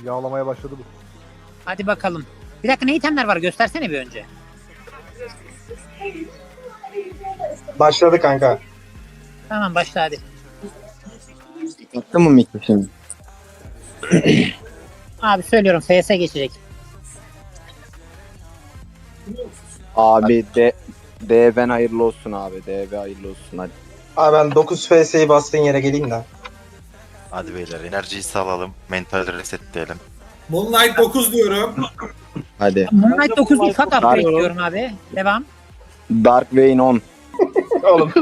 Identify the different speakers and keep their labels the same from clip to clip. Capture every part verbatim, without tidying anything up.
Speaker 1: Yağlamaya başladı bu.
Speaker 2: Hadi bakalım. Bir dakika, ne itemler var göstersene bir önce.
Speaker 3: Başladı kanka.
Speaker 2: Tamam, başla hadi.
Speaker 4: Attın mı mikrofonu?
Speaker 2: Abi söylüyorum, F S geçecek.
Speaker 4: Abi de D ben hayırlı olsun abi. D B hayırlı olsun hadi.
Speaker 3: Abi ben dokuz F S'yi bastığın yere geleyim de.
Speaker 5: Hadi beyler enerjiyi sağlayalım. Mental resetleyelim.
Speaker 6: Moonlight dokuz diyorum.
Speaker 4: Hadi.
Speaker 2: Moonlight dokuz değil, fuck upgrade
Speaker 4: Pardon.
Speaker 2: diyorum abi. Devam.
Speaker 4: Dark Vayne on.
Speaker 3: Oğlum.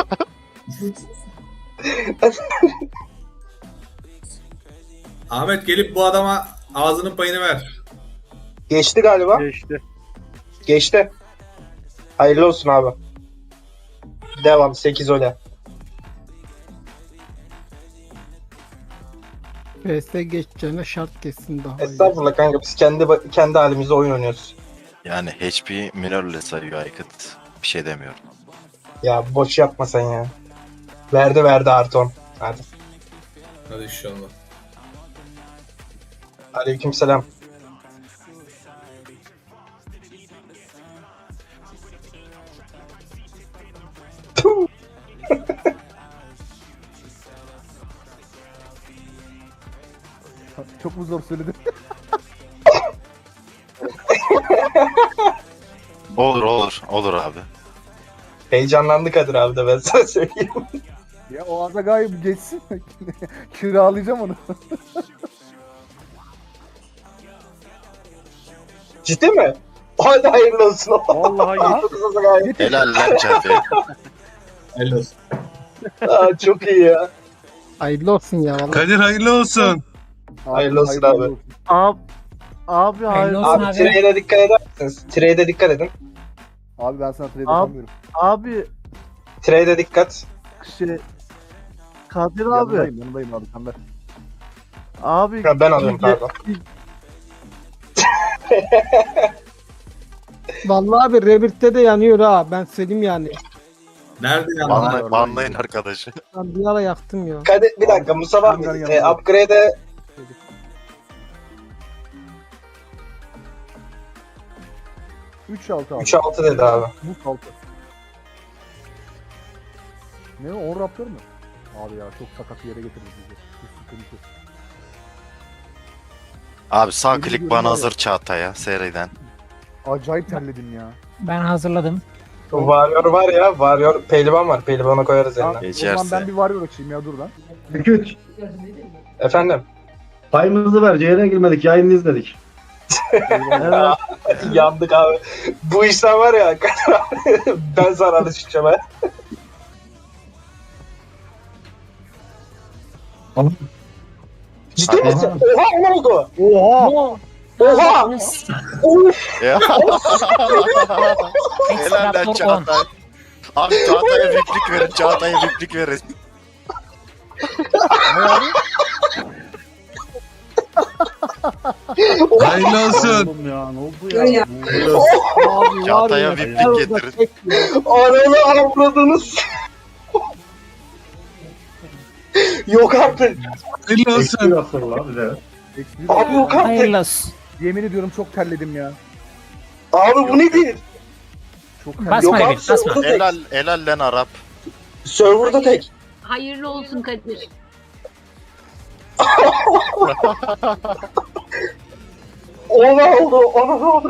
Speaker 6: Ahmet gelip bu adama ağzının payını ver.
Speaker 3: Geçti galiba.
Speaker 1: Geçti.
Speaker 3: Geçti. Hayırlı olsun abi. Devam sekiz öyle.
Speaker 7: P S geçeceğine şart kessin daha iyi.
Speaker 3: Estağfurullah kanka, biz kendi kendi halimizde oyun oynuyoruz.
Speaker 5: Yani H P minörle sayıyor Aykut. Bir şey demiyorum.
Speaker 3: Ya boş yapma sen ya. Verdi verdi artı on. Hadi.
Speaker 6: Hadi inşallah.
Speaker 3: Aleykümselam. Tuh.
Speaker 1: Çok mu zor söyledim?
Speaker 5: Olur olur. Olur abi.
Speaker 3: Heyecanlandı Kadir abi de, ben sana söyleyeyim.
Speaker 1: Ya o Azagay'ı bir geçsin. Kiralayacağım onu.
Speaker 3: Ciddi mi? Hadi hayırlı olsun.
Speaker 1: Vallahi ya.
Speaker 5: Helal lan Çağatay.
Speaker 6: Helal olsun.
Speaker 3: Aa, çok iyi ya.
Speaker 7: Hayırlı olsun ya vallahi.
Speaker 8: Kadir hayırlı olsun.
Speaker 3: Hayırlı olsun abi.
Speaker 1: Abi, abi
Speaker 2: Hayırlı olsun
Speaker 3: Abi
Speaker 2: abi.
Speaker 3: trade'e dikkat eder misiniz? Trade'e dikkat edin.
Speaker 1: Abi ben sana trade
Speaker 9: Abi-
Speaker 1: yapamıyorum.
Speaker 9: Abi
Speaker 3: Trade'e dikkat.
Speaker 9: şey Kadir abi
Speaker 1: Yanındayım yanındayım abi sen ver.
Speaker 9: abi
Speaker 3: Ha, ben alıyorum pardon.
Speaker 7: Vallahi abi Rebirth'te de yanıyor ha. Ben söyleyeyim yani.
Speaker 6: Nerede yandın?
Speaker 5: Banlay, banlayın arkadaşı.
Speaker 7: Ben bir ara yaktım ya.
Speaker 3: Kadir bir dakika, Musa var mı?
Speaker 1: Hangar
Speaker 3: E,
Speaker 1: yanında.
Speaker 3: upgrade'e
Speaker 1: üç altı abi.
Speaker 3: üç altı dedi abi.
Speaker 1: Bu altı. Ne o? on raptor mu? Abi ya çok sakat bir yere getirdi bizi. Bu sıkıntı.
Speaker 5: Abi sağ
Speaker 1: Yemin
Speaker 5: klik
Speaker 1: ediyorum
Speaker 5: bana
Speaker 1: var ya.
Speaker 5: hazır Çağatay'a seriden.
Speaker 1: Acayip terledim ya.
Speaker 2: Ben hazırladım.
Speaker 3: Warrior var ya, Warrior pehlivan var. Pehlivana koyarız
Speaker 1: Tamam,
Speaker 3: eline.
Speaker 1: o zaman
Speaker 5: Geçerse.
Speaker 1: ben bir varıyor açayım ya dur lan.
Speaker 10: Güç.
Speaker 3: Efendim?
Speaker 10: Payımızı ver. Yayına girmedik. Yayını izledik.
Speaker 1: Eyvallah.
Speaker 9: evet
Speaker 3: Yandık abi. Bu işler var ya, ben zararlı çıkacağım ha. Ciddi misin? Oha, ne oldu?
Speaker 1: Oha!
Speaker 3: Oha! Uf!
Speaker 5: Ya. Helal lan
Speaker 2: Extraptor on.
Speaker 5: Çağatay. Abi Çağatay'a viplik verin. Çağatay'a viplik verin.
Speaker 1: Ne abi?
Speaker 8: Hayırlı olsun.
Speaker 10: Oğlum ya ne oldu ya?
Speaker 7: Abi var
Speaker 5: Çağatay'a
Speaker 7: ya.
Speaker 5: viplik
Speaker 7: orada
Speaker 5: getirin.
Speaker 7: tek ya.
Speaker 3: Ananı avradınız. Yok artık.
Speaker 8: Hayırlı olsun.
Speaker 10: Eski rastlar abi de.
Speaker 1: Eksi bir-
Speaker 3: Abi yok artık.
Speaker 2: Hayırlı olsun.
Speaker 1: Yemin ediyorum çok terledim ya.
Speaker 3: Abi bu nedir?
Speaker 1: Çok terledim.
Speaker 2: Basma
Speaker 3: Yok
Speaker 2: Rebirth,
Speaker 3: abi,
Speaker 2: basma.
Speaker 3: serverda tek.
Speaker 5: Helal, helal lan Arap.
Speaker 3: Serverda tek.
Speaker 11: Hayırlı olsun Kadir.
Speaker 3: Ona oldu, ona oldu.